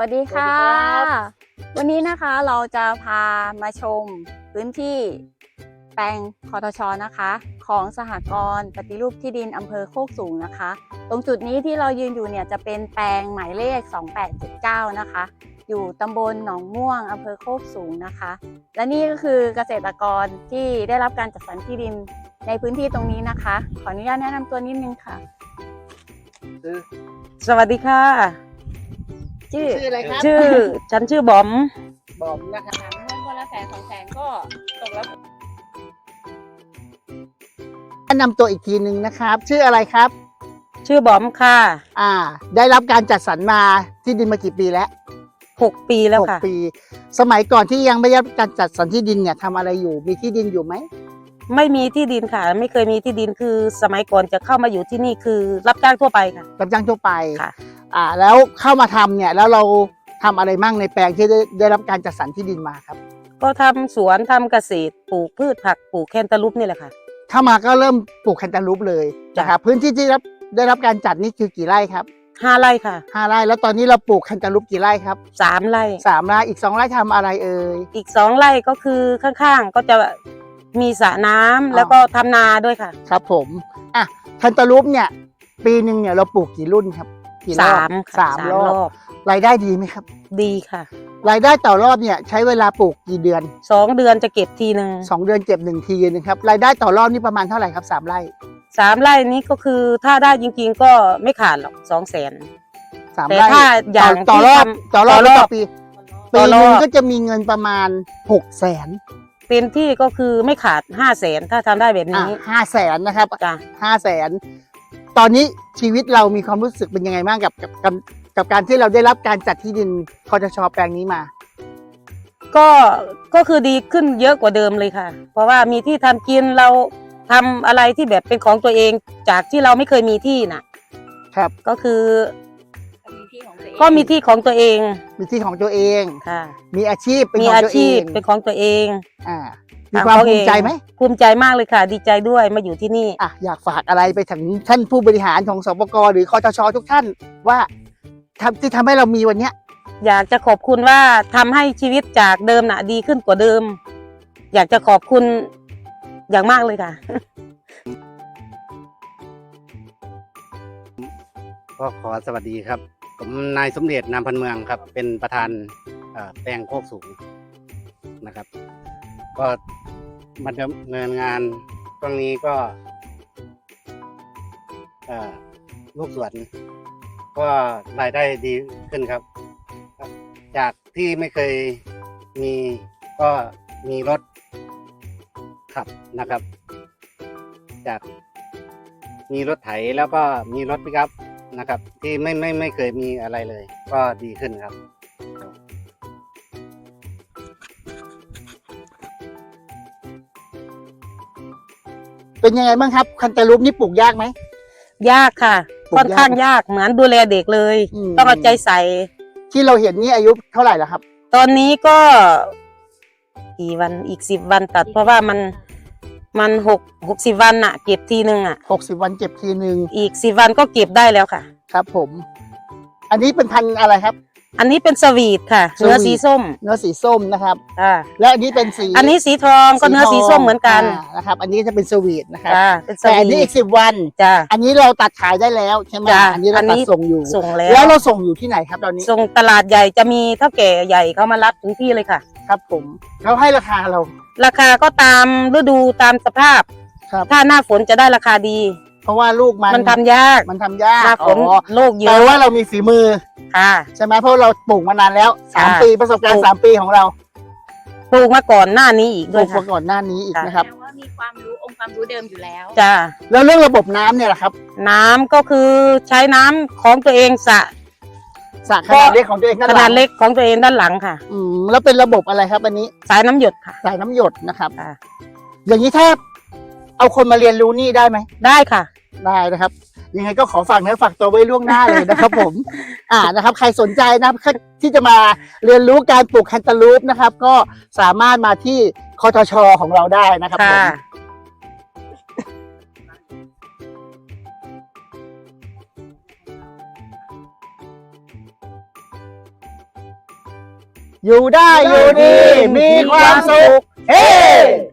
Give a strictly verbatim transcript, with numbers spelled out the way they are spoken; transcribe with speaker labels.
Speaker 1: วัสดีค่ะวันนี้นะคะเราจะพามาชมพื้นที่แปลงคทช.นะคะของสหกรณ์ปฏิรูปที่ดินอำเภอโคกสูงนะคะตรงจุดนี้ที่เรายืนอยู่เนี่ยจะเป็นแปลงหมายเลขสองแปดเจ็ดเก้านะคะอยู่ตำบลหนองม่วงอำเภอโคกสูงนะคะและนี่ก็คือเกษตรกรที่ได้รับการจัดสรรที่ดินในพื้นที่ตรงนี้นะคะขออนุญาตแนะนำตัวนิดนึงค่ะ
Speaker 2: สวัสดีค่ะ
Speaker 1: ชื่อชื่ออะไรครับ
Speaker 2: ชื่อฉันชื่อบอม
Speaker 1: บอมนะคะเงินคนละแสนสองแสนก็ตกแล้ว
Speaker 3: แนะนำตัวอีกทีหนึ่งนะครับ ชื่ออะไรครับ
Speaker 2: ชื่อบอมค่ะ
Speaker 3: อ่าได้รับการจัดสรรมาที่ดินมากี่ปีแล้ว
Speaker 2: หกปีแล้วค่ะ
Speaker 3: หกปีสมัยก่อนที่ยังไม่ได้รับการจัดสรรที่ดินเนี่ยทำอะไรอยู่มีที่ดินอยู่ไหม
Speaker 2: ไม่มีที่ดินค่ะไม่เคยมีที่ดินคือสมัยก่อนจะเข้ามาอยู่ที่นี่คือรับจ้างทั่วไปค่ะ
Speaker 3: รับจ้างทั่วไป
Speaker 2: ค่ะ
Speaker 3: อ่าแล้วเข้ามาทำเนี่ยแล้วเราทำอะไรมั่งในแปลงที่ได้ได้รับการจัดสรรที่ดินมาครับ
Speaker 2: ก็ทำสวนทำเกษตรปลูกพืชผักปลูกแคนตาลูปนี่แหละค่ะ
Speaker 3: เข้ามาก็เริ่มปลูกแคนตาลูปเลยนะครับพื้นที่ที่รับได้รับการจัดนี่คือกี่ไร่ครับ
Speaker 2: ห้าไร่ค่ะ
Speaker 3: ห้าไร่แล้วตอนนี้เราปลูกแคนตาลูปกี่ไร่ครับ
Speaker 2: สามไร่
Speaker 3: สามไร่อีกสองไร่ทำอะไรเอ่ย
Speaker 2: อีกสองไร่ก็คือข้างๆก็จะมีสระน้ำแล้วก็ทำนาด้วยค่ะ
Speaker 3: ครับผมอ่ะแคนตาลูปเนี่ยปีหนึ่งเนี่ยเราปลูกกี่รุ่นครับ
Speaker 2: สาม
Speaker 3: สามรอบรายได้ดีไหมครับ
Speaker 2: ดีค่ะ
Speaker 3: รายได้ต่อรอบเนี่ยใช้เวลาปลูกกี่เดือน
Speaker 2: สองเดือนจะเก็บทีหนึ่ง
Speaker 3: สองเดือนเก็บหนึ่งทีนะครับรายได้ต่อรอบนี่ประมาณเท่าไหร่ครับสามไร่
Speaker 2: สามไร่นี้ก็คือถ้าได้จริงๆก็ไม่ขาดหรอกสองแสน
Speaker 3: สาม
Speaker 2: ไร่แต่ถ้าอย่าง
Speaker 3: ต่อรอบต่อรอบต่อปีปีนึงก็จะมีเงินประมาณหกแสน
Speaker 2: เต็มที่ก็คือไม่ขาดห้าแสนถ้าทำได้แบบนี้
Speaker 3: ห้าแสนนะครับ
Speaker 2: จ้ะ
Speaker 3: ห้าแสนตอนนี้ชีวิตเรามีความรู้สึกเป็นยังไงบ้างกับกับกับการที่เราได้รับการจัดที่ดินคทช.แปลงนี้มา
Speaker 2: ก็ก็คือดีขึ้นเยอะกว่าเดิมเลยค่ะเพราะว่ามีที่ทำกินเราทำอะไรที่แบบเป็นของตัวเองจากที่เราไม่เคยมีที่น่ะ
Speaker 3: ครับ
Speaker 2: ก็คือก็มีที่ของตัวเอง
Speaker 3: มีที่ของตัวเอง
Speaker 2: ค่ะ
Speaker 3: มีอาชีพเป็น
Speaker 2: ของตัวเองเป็นของตัวเอง
Speaker 3: อ่ามีความภูมิใจไหม
Speaker 2: ภูมิใจมากเลยค่ะดีใจด้วยมาอยู่ที่นี่
Speaker 3: อ่ะอยากฝากอะไรไปถึงท่านผู้บริหารของสปก.หรือคทช.ทุกท่านว่าทำที่ทำให้เรามีวันเนี้ย
Speaker 2: อยากจะขอบคุณว่าทำให้ชีวิตจากเดิมน่ะดีขึ้นกว่าเดิมอยากจะขอบคุณอย่างมากเลยค่ะ
Speaker 4: ก็ขอสวัสดีครับผมนายสมเด็จนามพันเมืองครับเป็นประธานแปลงโคกสูงนะครับก็มาดำเนินงานตรงนี้ก็ลูกสวนก็รายได้ดีขึ้นครับจากที่ไม่เคยมีก็มีรถขับนะครับจากมีรถไถแล้วก็มีรถปิกอัพนะครับที่ไม่ไม่ไม่เคยมีอะไรเลยก็ดีขึ้นครับ
Speaker 3: เป็นยังไงบ้างครับแคนตาลูปนี่ปลูกยากไหม
Speaker 2: ยากค่ะค่อนข้างยากเหมือนดูแลเด็กเลยต้องเอาใจใส่
Speaker 3: ที่เราเห็นนี่อายุเท่าไหร่แล้วครับ
Speaker 2: ตอนนี้ก็กี่วันอีกสิบวันตัดเพราะว่ามันมันหกหกสิบวันอะเก็บทีหนึ่งอะ
Speaker 3: หกสิบวันเก็บทีหนึ่ง
Speaker 2: อีกสิบวันก็เก็บได้แล้วค่ะ
Speaker 3: ครับผมอันนี้เป็นพันธุ์อะไรครับ
Speaker 2: อันนี้เป็นสวีทค่ะเนื้อสีส้ม
Speaker 3: เนื้อสีส้มนะครับ
Speaker 2: อ่า
Speaker 3: และอันนี้เป็นสี
Speaker 2: อันนี้สีทองก็เนื้อสีส้มเหมือนกัน
Speaker 3: นะครับอันนี้จะเป็นสวีทนะครับ
Speaker 2: แต่
Speaker 3: อันนี้อีกสิบวัน
Speaker 2: จ้า
Speaker 3: อันนี้เราตัดขายได้แล้วใช่ไหมอันนี้เราตัดส่งอยู่
Speaker 2: ส่งแล้ว
Speaker 3: แล้วเราส่งอยู่ที่ไหนครับตอนนี้
Speaker 2: ส่งตลาดใหญ่จะมีเท่าแก่ใหญ่เขามารับถึงที่เลยค่ะ
Speaker 3: ครับผมเขาให้ราคาเรา
Speaker 2: ราคาก็ตามฤดูตามสภาพถ้าหน้าฝนจะได้ราคาดี
Speaker 3: เพราะว่าลูกมัน
Speaker 2: มันทำยาก
Speaker 3: มันทำยาก
Speaker 2: หน้าฝนโรคเยอะ
Speaker 3: แปลว่าเรามีฝีมือ
Speaker 2: ค่ะ
Speaker 3: ใช่ไหมเพราะเราปลูกมานานแล้วสามปีประสบการณ์สามปีของเรา
Speaker 2: ปลูกมาก่อนหน้านี้อีกด้วย
Speaker 3: ปลูกมาก่อนหน้านี้อีกนะครับ
Speaker 1: ว่ามีความรู้องค์ความรู้เดิมอยู่แล้ว
Speaker 2: จ้า
Speaker 3: แล้วเรื่องระบบน้ำเนี่ยแหละครับ
Speaker 2: น้ำก็คือใช้น้ำของตัวเองสระ
Speaker 3: สระขนาดเล็กของตัวเอง
Speaker 2: ขนาดเล็กของตัวเองด้านหลังค่ะ
Speaker 3: อืมแล้วเป็นระบบอะไรครับอันนี้
Speaker 2: สายน้ำหยดค่ะ
Speaker 3: สายน้ำหยดนะครับอย่างนี้ถ้าเอาคนมาเรียนรู้นี่ได้ไหม
Speaker 2: ได้ค่ะ
Speaker 3: ได้นะครับยังไงก็ขอฝากเนื้อฝากตัวไว้ล่วงหน้าเลยนะครับผมอ่านะครับใครสนใจนะครับที่จะมาเรียนรู้การปลูกแคนตาลูปนะครับก็สามารถมาที่คทช.ของเราได้นะครับผมอยู่ได้อยู่ดีมีความสุขเฮ้